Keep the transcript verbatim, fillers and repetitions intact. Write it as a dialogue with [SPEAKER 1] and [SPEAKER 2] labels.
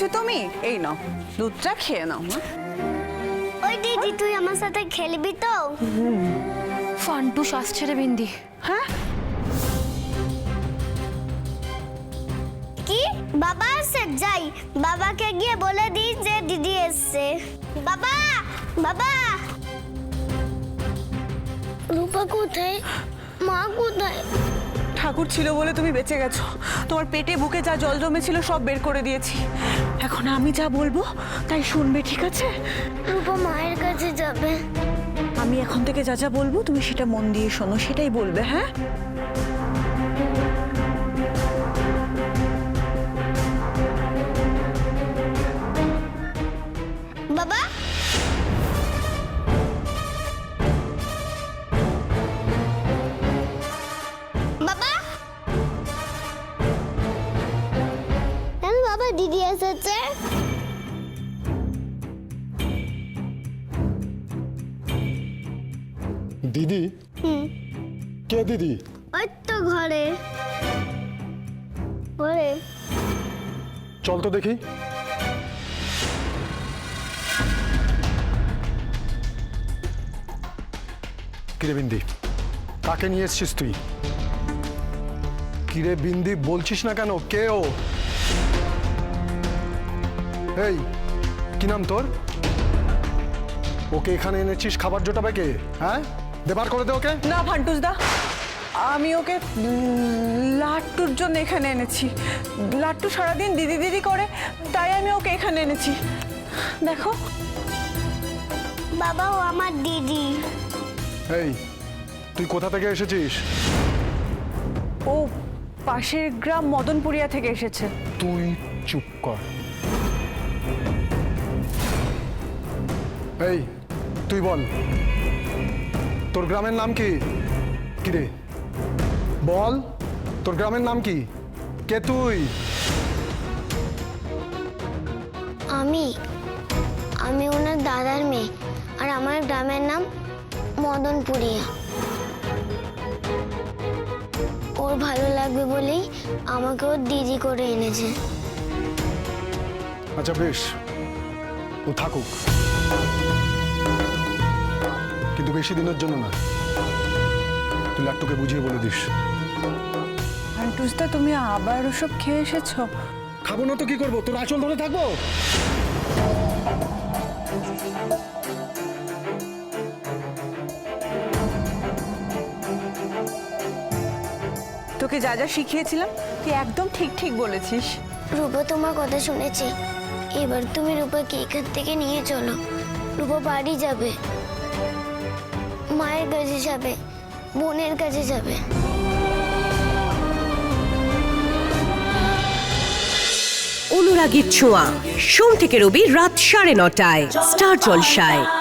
[SPEAKER 1] এসেছো তুমি? এই নাও দুধটা খেয়ে নাও।
[SPEAKER 2] ওই দিদি তুই আমার সাথে খেলবি তো?
[SPEAKER 3] ফান্টুস আসছে রে বিন্দি।
[SPEAKER 1] হ্যাঁ
[SPEAKER 2] কি বাবা আসছে? যাই বাবাকে গিয়ে বলে দিই যে দিদি এসছে। বাবা বাবা রূপা কোথায়? মা কোথায়?
[SPEAKER 1] ঠাকুর ছিল বলে তুমি বেঁচে গেছো। তোমার পেটে বুকে যা জল জমেছিল সব বের করে দিয়েছি। এখন আমি যা বলবো তাই শুনবে, ঠিক আছে?
[SPEAKER 2] রূপা মায়ের কাছে যাবে।
[SPEAKER 1] আমি এখন থেকে যা যা বলবো তুমি সেটা মন দিয়ে শোনো, সেটাই বলবে। হ্যাঁ
[SPEAKER 2] বাবা বাবা কেন বাবা দিদি এসেছে?
[SPEAKER 4] দিদি?
[SPEAKER 2] হুম
[SPEAKER 4] কে দিদি?
[SPEAKER 2] ওই তো ঘরে ঘরে।
[SPEAKER 4] চল তো দেখি। কিরে বিন্দি, কাকে নিয়ে এসছিস তুই? কিরে বিন্দি বলছিস না কেন? কে ও? এই কি নাম তোর? ওকে এখানে এনেছিস খাবার জোটাবে কে? হ্যাঁ দেবার করে দে ওকে।
[SPEAKER 1] না ফান্টুস দা, আমি ওকে লাট্টুর জন্য এখানে এনেছি। লাট্টু সারাদিন দিদি দিদি করে, তাই আমি ওকে এখানে এনেছি। দেখো
[SPEAKER 2] বাবা ও আমার দিদি।
[SPEAKER 4] এই তুই কোথা থেকে এসেছিস?
[SPEAKER 1] ও পাশের গ্রাম মদনপুরিয়া থেকে এসেছে।
[SPEAKER 4] তুই চুপ কর। এই তুই বল, তোর গ্রামের নাম কি? কিরে বল, তোর গ্রামের নাম কি? কে তুই?
[SPEAKER 2] আমি আমি ওনার দাদার মেয়ে, আর আমার গ্রামের নাম মদনপুরিয়া। ওর ভালো লাগবে বলেই আমাকে ওর দিদি করে এনেছে।
[SPEAKER 4] আচ্ছা বেশ, ও থাকুক, কিন্তু বেশি দিনের জন্য না। তুই লাট্টুকে বুঝিয়ে বলে দিস।
[SPEAKER 1] ফান্টুস দা তুমি আবার ওসব খেয়ে এসেছো?
[SPEAKER 4] খাবো না তো কি করবো? তোর আঁচল ধরে থাকবো?
[SPEAKER 1] তোকে যা যা শিখিয়েছিলাম তুই একদম ঠিক ঠিক বলেছিস।
[SPEAKER 2] রূপা তোমার কথা শুনেছি, এবার তুমি রূপাকে এখান থেকে নিয়ে চলো। রূপা বাড়ি যাবে, মায়ের কাছে যাবে, বোনের কাছে যাবে।
[SPEAKER 5] অনুরাগীর ছোঁয়া সোম থেকে রবি রাত সাড়ে নটায় স্টার জলসায়।